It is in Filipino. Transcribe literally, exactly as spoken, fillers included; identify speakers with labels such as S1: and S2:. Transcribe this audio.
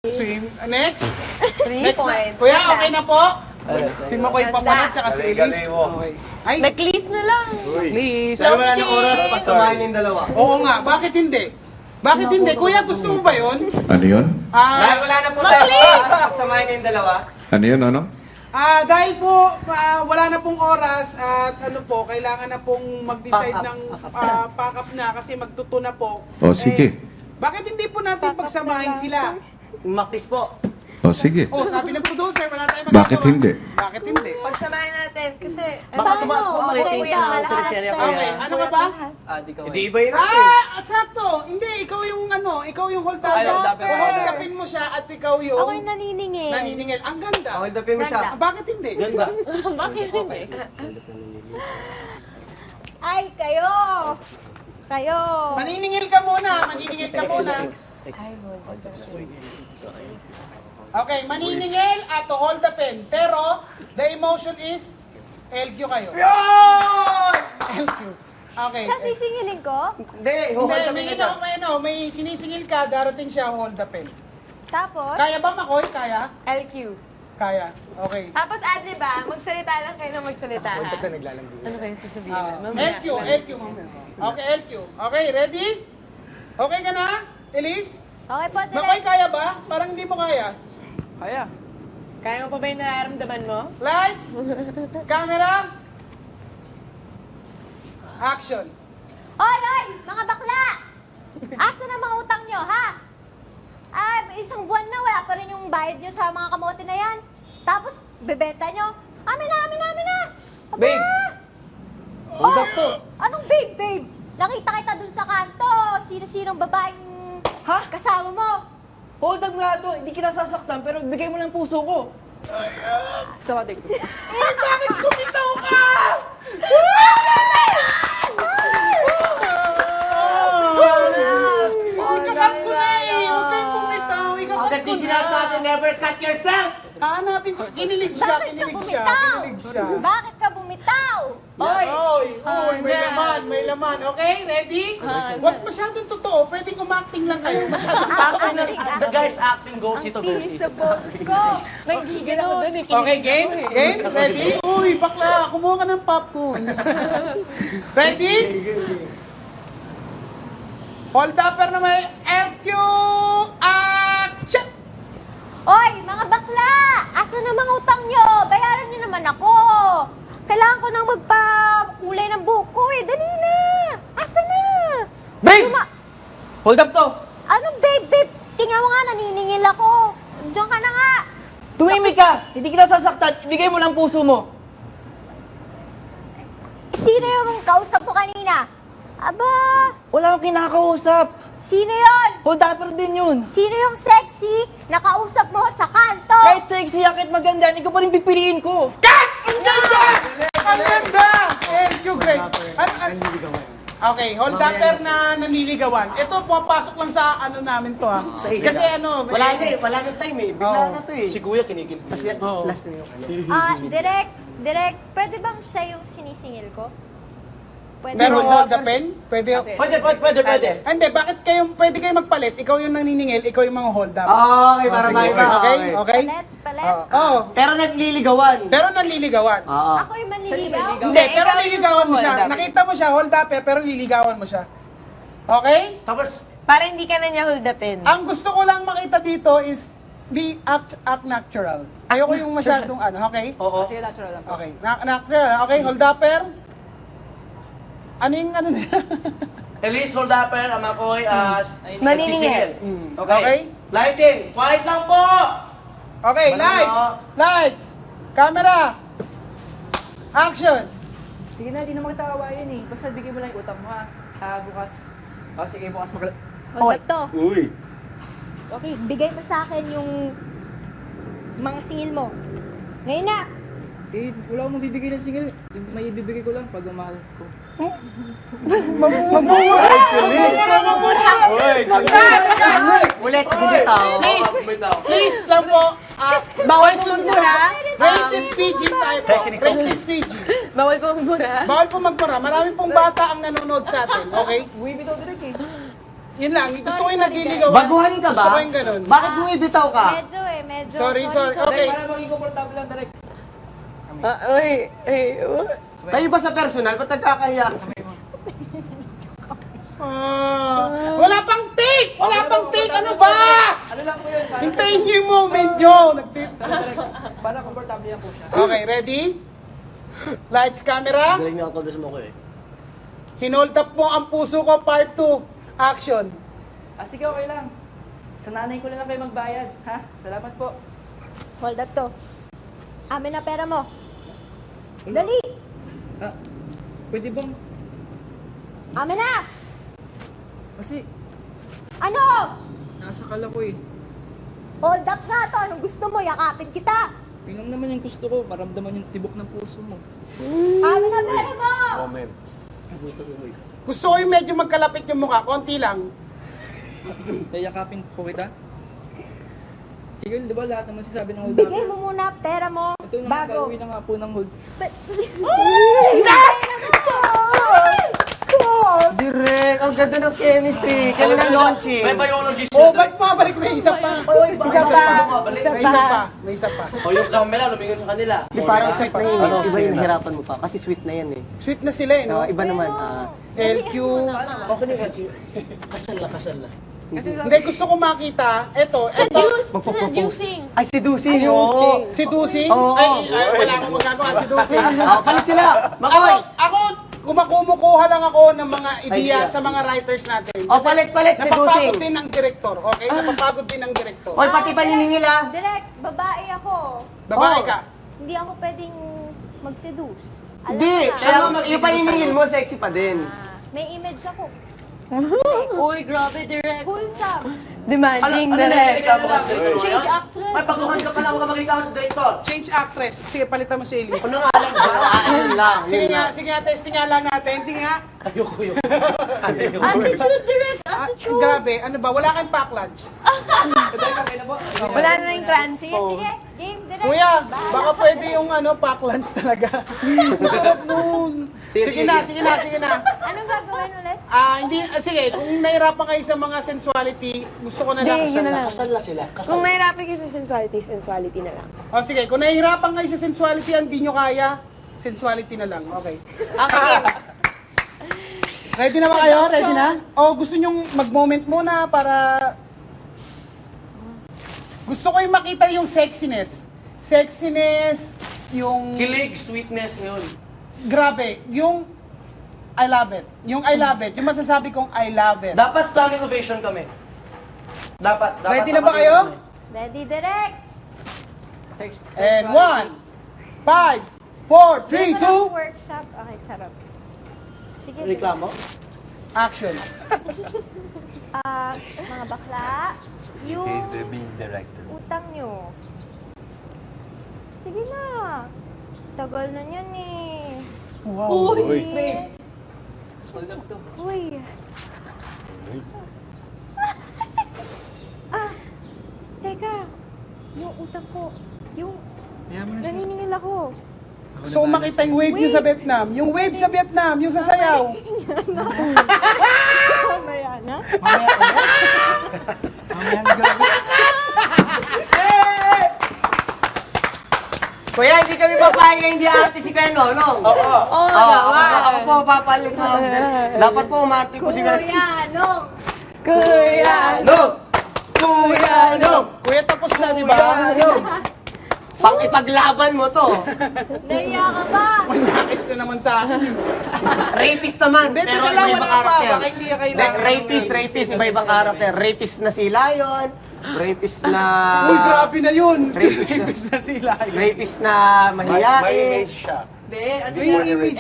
S1: Swim. Next.
S2: Three
S1: Next na.
S2: points.
S1: Kuya, okay na po? Si Makoy Papanat, tsaka si
S3: Galing,
S1: Elise.
S3: galing mo.
S1: Okay. Ay,
S2: Nag-clease na lang.
S1: please.
S4: Dahil wala ng oras, pagsamahin yung dalawa.
S1: Oo nga, bakit hindi? Bakit hindi? Kuya, gusto mo ba yun?
S5: Ano yun?
S1: Ah,
S4: Dahil wala na po tayo oras, pagsamahin yung dalawa.
S5: Ano yun, ano?
S1: Ah, dahil po ah, wala na pong oras at ano po, kailangan na pong mag-decide ng ah, pack up na kasi magtuto na po.
S5: O, sige.
S1: Bakit hindi po natin pagsamahin sila?
S4: Umaktis po.
S5: O, sige.
S1: Oh, sabi ng producer, wala tayong magagawa.
S5: Bakit hindi?
S1: Bakit hindi?
S2: Pagsamahin natin kasi...
S4: Baka tumaas po ang ratings
S2: kuya,
S4: ng
S2: lahat
S4: teleserye
S2: tayo.
S4: ko.
S1: Okay, ano ka ba?
S4: Ah, di ka Hindi iba yun
S1: Ah, sakto. Hindi, ikaw yung ano, ikaw yung hold up.
S4: Ay, hold up.
S1: Hold upin mo siya at ikaw yung
S6: Ako'y naniningil.
S1: naniningil. Ang ganda.
S4: Hold upin mo siya.
S1: Ah, bakit hindi?
S4: Ganda.
S2: Bakit hindi?
S6: Ay, kayo! Kayo!
S1: Maniningil ka muna, maniningil ka muna. Okay, maniningil at to hold the pen. Pero, the emotion is L Q kayo. L Q. Okay.
S6: Siya sisingilin ko?
S4: Hindi,
S1: Hindi,
S4: hold upin
S1: may,
S4: mo
S1: ano,
S4: siya.
S1: may, ano, may sinisingil ka, darating siya, hold the pen.
S6: Tapos?
S1: Kaya ba, Makoy? Kaya?
S2: L Q.
S1: Kaya. Okay.
S2: Tapos, Adli ba, magsalita lang kayo na magsalita, ha? Ano kayo sasabihin?
S1: Ah,
S2: Mamaya.
S1: L Q, L Q. Okay, L Q. Okay, ready? Okay ka na, Elise?
S6: Okay po,
S1: Makoy,
S6: direct.
S1: kaya ba? Parang hindi mo kaya.
S4: Kaya.
S2: Kaya mo pa ba yung nararamdaman mo?
S1: Lights, camera, action.
S6: Oy, oy! Mga bakla! Asa na mga utang nyo, ha? Ay, isang buwan na, wala pa rin yung bayad nyo sa mga kamote na yan. Tapos, bebenta nyo. Amin na, amin na, amin na! Aba!
S4: Babe! Hold up to.
S6: Anong babe, babe? Nakita kita dun sa kanto. Sino-sinong babaeng
S4: Ha?
S6: kasama mo?
S4: Hold up nga to. Hindi kita sasaktan, pero bigay mo ng puso ko. Sa matik.
S1: Eh, bakit kumitaw ka? Ikakat ko na eh. Huwag kayong kumitaw. Ikakat ko na.
S4: never cut yourself!
S1: Hahanapin ko. Kinilig siya,
S6: Bakit ka
S1: kinilig siya.
S6: bumitaw?
S1: Kinilig siya.
S6: Bakit ka bumitaw?
S1: Oy! Oy! Oy! May
S2: Handa.
S1: laman, may laman. Okay, ready? Huwag masyadong totoo. Pwedeng umakting lang kayo. Masyadong
S4: The guy's acting goes ito,
S6: Tinis sa boses ko.
S2: Nagigil ako dun eh.
S1: Okay, game? Game? Ready? Uy, bakla, kumuha ka ng popcorn. Ready? Hold upper na may L Q action!
S6: Oy, mga bakla! Asa na mga utang nyo? Bayaran nyo naman ako. Kailangan ko nang magpa-kulay ng buhok ko eh. Dali na! Asa na?
S4: Babe!
S6: Luma-
S4: Hold up to!
S6: Ano, babe, babe? Tingnan mo nga, naniningil ako. Diyan ka na nga.
S4: Tumimik ka! Hindi kita sasaktan, ibigay mo ng puso mo.
S6: Sino yung kausap mo kanina? Aba,
S4: Wala akong kinakausap.
S6: sino yon?
S4: Hold upper din yun.
S6: Sino yung sexy na kausap mo sa kanto?
S4: Kahit sexy, akit maganda, ikaw pa rin pipiliin ko.
S1: Ang ganda! Ang ganda! L Q, great. An an okay, hold upper na nanliligawan. Ito, pumapasok lang sa ano namin to ha. Kasi ano,
S4: Wala na eh, wala na time eh. Bigla
S1: Oo.
S4: na to eh. Si Kuya kinikil. Kasi
S1: Oo.
S4: last na yung ano.
S6: Ah, direct, direct. Pwede bang siya yung sinisingil ko? Pwede.
S1: Pero hold the pen? Pwede.
S4: Pwede, pwede, pwede, pwede.
S1: Hindi, bakit kayo, pwede kayo magpalit? Ikaw yung naniningil, ikaw yung mga hold up.
S4: Okay, para
S1: Sige,
S4: maiba.
S1: okay? Okay?
S6: Palet, palet.
S1: Oo. Oo.
S4: Pero nagliligawan.
S1: Pero nanliligawan.
S4: Oo.
S6: Ako yung manliligaw.
S1: Hindi, pero
S2: ikaw yung
S1: liligawan mo siya.
S2: hold up.
S1: Nakita mo siya, hold up, pero liligawan mo siya. Okay?
S4: Tapos,
S2: Para hindi ka na niya hold upin.
S1: Ang gusto ko lang makita dito is be act, act natural. Ayoko yung masyadong ano, okay?
S4: oo. Sige, natural lang.
S1: Okay, na natural. Okay, hold upper. Ano yung ano nila?
S4: Elise, hold upper, Amakoy, uh,
S2: Maniningil.
S1: Mm.
S4: Okay.
S1: Okay?
S4: Lighting, quiet lang po!
S1: Okay,
S4: Wala
S1: lights!
S4: na.
S1: Lights! Camera! Action!
S7: Sige na, di naman kita kawayan eh. Basta bigay mo lang yung utang mo ha. Ah, bukas. Oh, sige, bukas mag...
S6: Hold up to.
S4: Uy.
S6: Okay, bigay mo sa akin yung mga singil mo. Ngayon na.
S7: Eh, wala akong mabibigay ng singil. May ibibigay ko lang pag mamahal ko.
S1: Mamura! Mamura! Mamura!
S4: Uy, ulit, hindi tao.
S1: Please, please lang po. ah,
S2: Bawal
S1: question
S2: magmura.
S1: po. Rated P G tayo po. Rated P G.
S2: Bawal po magmura.
S1: Bawal po magmura. Marami pong bata ang nanonood sa atin. Okay?
S7: Buwi bitaw direct eh.
S1: Yun lang, gusto ko
S6: Sorry,
S1: yung
S6: sorry,
S1: nagliligawan.
S3: Baguhan ka
S1: Gusto
S3: ba?
S1: ko yung ganun.
S3: Bakit bumibitaw ka?
S6: Medyo eh, medyo.
S1: Sorry, sorry. Okay.
S4: Para maging komportable lang, direct.
S2: Ah, uy, uy, uy.
S3: Kayo ba sa personal? Ba't nagkakahiya?
S1: Ah, wala pang take! Wala pang take! Ano ba?
S4: Ano lang po yun? Para,
S1: Hintayin niyo yung moment nyo. Nagti-
S4: direct. Para komportable lang po siya.
S1: Okay, ready? Lights, camera.
S3: Galing na ako mo ko eh.
S1: Hinold up mo ang puso ko, part two. Action.
S4: Ah, sige, okay lang. Sa nanay ko na lang kayo magbayad, ha? Salamat po.
S6: Hold up to. Amin na pera mo. Dali!
S4: Ah, pwede bang...
S6: Amin na!
S4: Kasi,
S6: Ano?
S4: nasa kala ko eh.
S6: Hold up nga to. Anong gusto mo? Yakapin kita.
S4: Yun lang naman yung gusto ko, maramdaman yung tibok ng puso mo.
S6: Amin na pera mo!
S1: Gusto ko yung medyo magkalapit yung mukha. Konti lang.
S4: Yayakapin po kita. Sige, di ba lahat naman sinasabi ng hold
S6: Bigay mo muna pera mo.
S4: Ito na
S6: Bago.
S4: gagawin na nga po ng hold.
S3: Direk, ang ganda ng chemistry. Kailan ang launching?
S1: Oh, ba't mabalik? May isa pa. Isa pa. May
S2: Isa
S1: isa
S2: pa.
S1: pa. May isa pa.
S8: O yung camera, lumingin sa kanila.
S3: Di parang sweet na yun eh.
S8: Ano,
S3: Iba yung
S8: sina?
S3: nahirapan mo pa. Kasi sweet na yan eh.
S1: Sweet na sila eh, no?
S3: Ah, iba naman. ah,
S1: L Q.
S8: Okay na yun. Kasal na, kasal na.
S4: Kasi sabi,
S1: Hindi, gusto ko makita. Eto, eto.
S3: magpo-propose. Ay, seducing.
S1: Yung
S3: Oo.
S1: si Dusing.
S3: Oo.
S1: Ay, ay, wala akong magagawa. Si Dusing.
S3: Ah, palit sila.
S1: Ako,
S3: Makoy.
S1: ako, kumakumukuha lang ako ng mga ideya
S3: Idea.
S1: sa mga writers natin.
S3: Oh, palit-palit si
S1: Napapagod
S3: Dusing.
S1: din ang director, okay? Napapagod din ang director.
S3: Oy, pati paniningil ah.
S6: Direct, babae ako.
S1: Babae
S3: Oh.
S1: ka.
S6: Hindi ako pwedeng mag-seduce. Alam
S3: Hindi.
S6: mo na.
S3: Kaya yung paniningil mo, sexy pa din.
S6: Ah, may image ako.
S2: Uy, grabe, direct.
S6: Wholesome.
S2: Demanding,
S8: Ano na
S2: direct.
S8: reklamo ka sa director?
S6: Change
S8: Ay,
S6: actress.
S8: pagkuhan ka pala, huwag ka magreklamo sa director.
S1: Change actress. Sige, palitan mo si Elise.
S8: Ano nga alam mo?
S3: Ah, yun lang.
S1: Sige
S3: yun
S1: nga,
S3: lang.
S1: sige nga, testing nga lang natin. Sige nga.
S8: Ayoko yun.
S2: Attitude, direct.
S1: Ah,
S2: Attitude.
S1: grabe, ano ba? Wala kayong pack lunch.
S2: Wala na yung transit.
S6: Sige, sige. Game, direct.
S1: Kuya,
S6: Bahala
S1: baka
S6: ka.
S1: pwede yung ano, pack lunch talaga. Sarap nun.
S3: Sige,
S1: Sige
S3: sige.
S1: na, sige na, sige na.
S6: Anong gagawin ulit?
S1: Ah, hindi, ah, sige, kung nahirapan kayo sa mga sensuality, gusto ko na lang.
S2: Hindi, yun na lang.
S8: Kasal na sila. Kasal.
S2: Kung nahirapan kayo sa sensuality, sensuality na lang.
S1: O sige, kung nahihirapan kayo sa sensuality, hindi nyo kaya, sensuality na lang. Okay. Okay. Ready na ba kayo? Ready na? O gusto nyong mag-moment muna para... Gusto ko yung makita yung sexiness. Sexiness, yung...
S8: Kilig, sweetness yun.
S1: Grabe, yung... I love it. Yung I love it. Yung masasabi kong I love it.
S8: Dapat standing ovation kami. Dapat. dapat
S1: Ready na ba
S8: nakabigay
S1: kayo?
S8: kami.
S6: Ready, direct.
S1: And one, five, four, three, two,
S6: Workshop. Okay, charot. Sige.
S8: Reklamo?
S1: action.
S6: Ah, mga bakla, yung utang nyo. Sige na. Tagal na yan eh.
S1: Wow.
S6: Uy. Uy. Ah, teka. Yung utang ko. Yung naniningil ako.
S1: Gusto ko makita yung wave nyo sa Vietnam. Yung wave sa Vietnam, yung sasayaw.
S6: Mamaya na.
S3: Kuya, hindi kami papayag na hindi arte si Kuya Nonong. Oo.
S2: Oo,
S3: Oo, ako,
S2: naman.
S3: ako po papalit mo. Dapat po umarte po si Kuya.
S6: Kuya, no.
S2: Kuya!
S3: Nong! Kuya Nong!
S1: Kuya, tapos na, di ba?
S3: Kuya Nong! Pang ipaglaban mo to.
S6: Naiya ka ba?
S1: Manakis na naman sa akin.
S3: Rapist naman.
S1: Hindi,
S3: pero
S1: teka lang,
S3: iba-ibang
S1: wala pa.
S3: karakter.
S1: Baka hindi ka kailangan.
S3: Rapist, rapist, iba-ibang karakter. Rapist na si Lion. Rapist na...
S1: Uy, grabe na yun.
S3: Rapist na-
S1: Rapist na sila.
S3: Rapist na mahiyain.
S8: siya.
S4: Hindi, ano
S1: Yung image